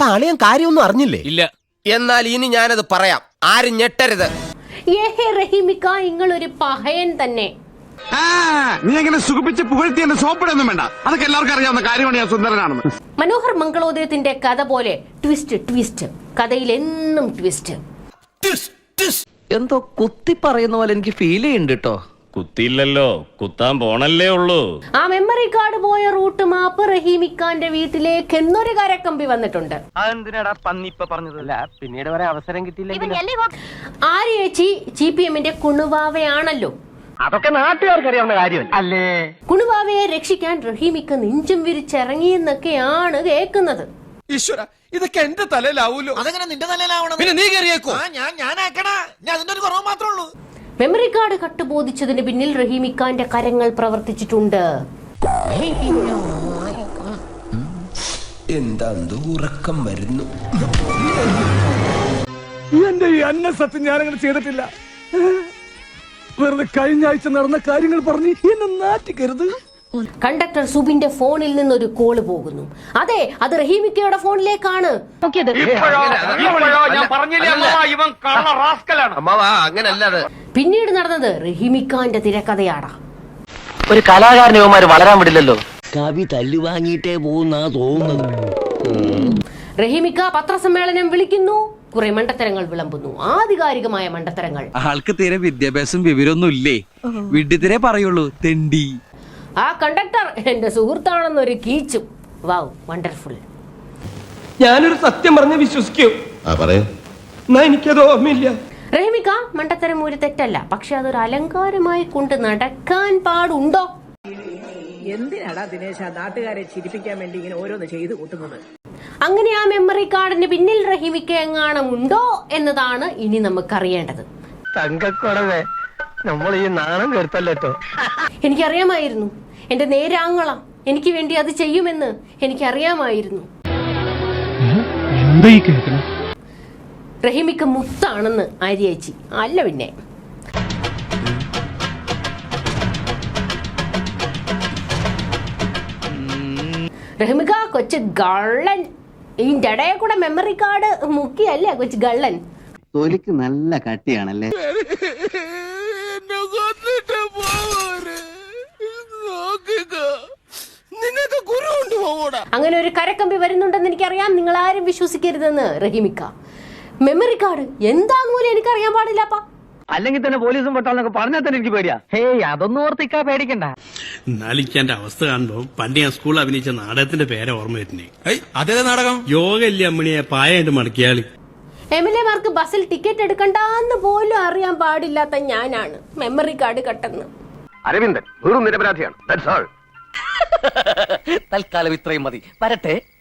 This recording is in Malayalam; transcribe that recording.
അളിയൻ കാര്യമൊന്നും അറിഞ്ഞില്ലേ? ഇല്ല. എന്നാൽ ഇനി ഞാനത് പറയാം, ആരും ഞെട്ടരുത്. റഹീമിക്ക, നിങ്ങളൊരു പഹയൻ തന്നെ. നീ എങ്ങനെ സുഖിപ്പിച്ച് പുകഴ്ത്തി എന്നെ സോപ്പിടൊന്നും വേണ്ട, അതൊക്കെ എല്ലാവർക്കും അറിയാവുന്ന കാര്യമാണ് ഞാൻ സുന്ദരനാണെന്ന്. മനോഹർ മംഗളോദയത്തിന്റെ കഥ പോലെ ട്വിസ്റ്റ് ട്വിസ്റ്റ്, കഥയിൽ എന്നും ട്വിസ്റ്റ്. എന്തോ കുത്തി പറയുന്ന പോലെ എനിക്ക് ഫീൽ ചെയ്യുന്നുണ്ട് കേട്ടോ. കുത്തിയില്ലല്ലോ, കുത്താൻ പോണല്ലേ ഉള്ളൂ. ആ മെമ്മറി കാർഡ് പോയ റൂട്ട് മാപ്പ് റഹീമിക്കാന്റെ വീട്ടിലേക്ക് എന്നൊരു കരക്കമ്പി വന്നിട്ടുണ്ട്. അതെന്തിനാടാ പന്നി ഇപ്പൊ പറഞ്ഞതല്ല, പിന്നീട് വരെ അവസരം കിട്ടിയില്ല. ആര്യേച്ചി GPMന്റെ കുണുവാവയാണല്ലോ. അതൊക്കെ നാട്ടുകാർക്ക് അറിയാവുന്ന കാര്യമല്ല അല്ലേ. കുണുവാവയെ രക്ഷിക്കാൻ റഹീമിക്ക നെഞ്ചും വിരിച്ചിറങ്ങിയെന്നൊക്കെയാണ് കേൾക്കുന്നത്. ഈശ്വര, ഇതൊക്കെ എന്റെ തലയിലാവൂലോ. അതെങ്ങനെ നിന്റെ തലയിലാവണം? പിന്നെ നീ കയറിയേക്കോ? ഞാനാക്കണ, ഞാൻ അതിന്റെ ഒരു കുറവ് മാത്രമേ ഉള്ളൂ. മെമ്മറി കാർഡ് കട്ടുബോധിച്ചതിന് പിന്നിൽ റഹീമിക്കാന്റെ കരങ്ങൾ പ്രവർത്തിച്ചിട്ടുണ്ട്. എന്താ ഉറക്കം വരുന്നു. എന്റെ ഈ അന്ന സത്യം ഞാനങ്ങനെ ചെയ്തിട്ടില്ല. വെറുതെ കഴിഞ്ഞ ആഴ്ച നടന്ന കാര്യങ്ങൾ പറഞ്ഞ് എന്നെ നാറ്റിക്കരുത്. കണ്ടക്ടർ സുബിന്റെ ഫോണിൽ നിന്നൊരു കോള് പോകുന്നു. അതെ, അത് റഹീമിക്കയുടെ ഫോണിലേക്കാണ്. പിന്നീട് നടന്നത് റഹീമിക്കാന്റെ തിരക്കഥയാടാ. ഒരു കലാകാരനുമാര് വളരാൻ വിടില്ലല്ലോ. കവി തല്ലുവാങ്ങിയിട്ടേ പോകുന്നാ തോന്നുന്നത്. റഹീമിക്ക പത്രസമ്മേളനം വിളിക്കുന്നു, കുറെ മണ്ടത്തരങ്ങൾ വിളമ്പുന്നു, ആധികാരികമായ മണ്ടത്തരങ്ങൾ. ആൾക്ക് തീരെ വിദ്യാഭ്യാസം വിവരമൊന്നും ഇല്ലേ, വിഡ്ഢിത്തിരെ പറയുള്ളൂ, തെണ്ടി. ആ കണ്ടക്ടർ എന്റെ സുഹൃത്താണെന്നൊരു കീച്ചും. വാവ്, വണ്ടർഫുൾ. ഞാനൊരു സത്യം പറഞ്ഞ് വിശ്വസിക്കൂ. എനിക്കത് ഓർമ്മയില്ല. റഹീമിക്ക, മണ്ടത്തരം ഒരു തെറ്റല്ല, പക്ഷെ അതൊരു അലങ്കാരമായി കൊണ്ട് നടക്കാൻ പാടുണ്ടോ? എന്തിനാടാ ദിനേശ നാട്ടുകാരെ ചിരിപ്പിക്കാൻ വേണ്ടി ഇങ്ങനെ ഓരോന്ന് ചെയ്തു കൂട്ടുന്നത്? അങ്ങനെ ആ മെമ്മറി കാർഡിന് പിന്നിൽ റഹീമിക്ക എങ്ങാനും ഉണ്ടോ എന്നതാണ് ഇനി നമുക്കറിയേണ്ടത്. തങ്കക്കുറവേ, നമ്മൾ ഈ നാണം കെടുത്തല്ലോ. എനിക്കറിയാമായിരുന്നു, എന്റെ നേരാങ്ങള എനിക്ക് വേണ്ടി അത് ചെയ്യുമെന്ന് എനിക്കറിയാമായിരുന്നു. റഹീമിക്ക മുത്താണെന്ന് ആര്യേച്ചി. അല്ല പിന്നെ. റഹീമിക്ക കൊച്ചു ഗള്ളൻ. ഇതിന്റെ ഇടയെ കൂടെ മെമ്മറി കാർഡ് മുക്കിയല്ലേ കൊച്ചു ഗള്ളൻ. തൊലിക്ക് നല്ല കട്ടിയാണല്ലേ. അങ്ങനെ ഒരു കരക്കമ്പി വരുന്നുണ്ടെന്ന് എനിക്കറിയാം, നിങ്ങൾ ആരും വിശ്വസിക്കരുതെന്ന് റഹീമിക്ക. മെമ്മറി കാർഡ് എന്താന്ന് പോലും എനിക്കറിയാൻ പാടില്ലപ്പാ. അല്ലെങ്കിൽ തന്നെ പോലീസും പെട്ടാന്നൊക്കെ പറഞ്ഞാൽ തന്നെ എനിക്ക് പേടിയാ. ഹേയ്, അതൊന്നും ഓർത്തിക്കാ പേടിക്കണ്ട. എന്നാലും എനിക്ക് എന്റെ അവസ്ഥ കാണുമ്പോ പണ്ട് ഞാൻ സ്കൂളിൽ അഭിനയിച്ച നാടകത്തിന്റെ പേരെ ഓർമ്മ വരുന്നേ. അതേ നാടകം? യോഗ ഇല്ലേ അമ്മണിയെ പായായിട്ട് മടക്കിയാളി. MLA-മാർക്ക് ബസ്സിൽ ടിക്കറ്റ് എടുക്കണ്ടെന്ന് പോലും അറിയാൻ പാടില്ലാത്ത ഞാനാണ് മെമ്മറി കാർഡ് കട്ടെന്ന്. അരവിന്ദൻ വെറും നിരപരാധിയാണ്. തൽക്കാലം ഇത്രയും മതി. വരട്ടെ.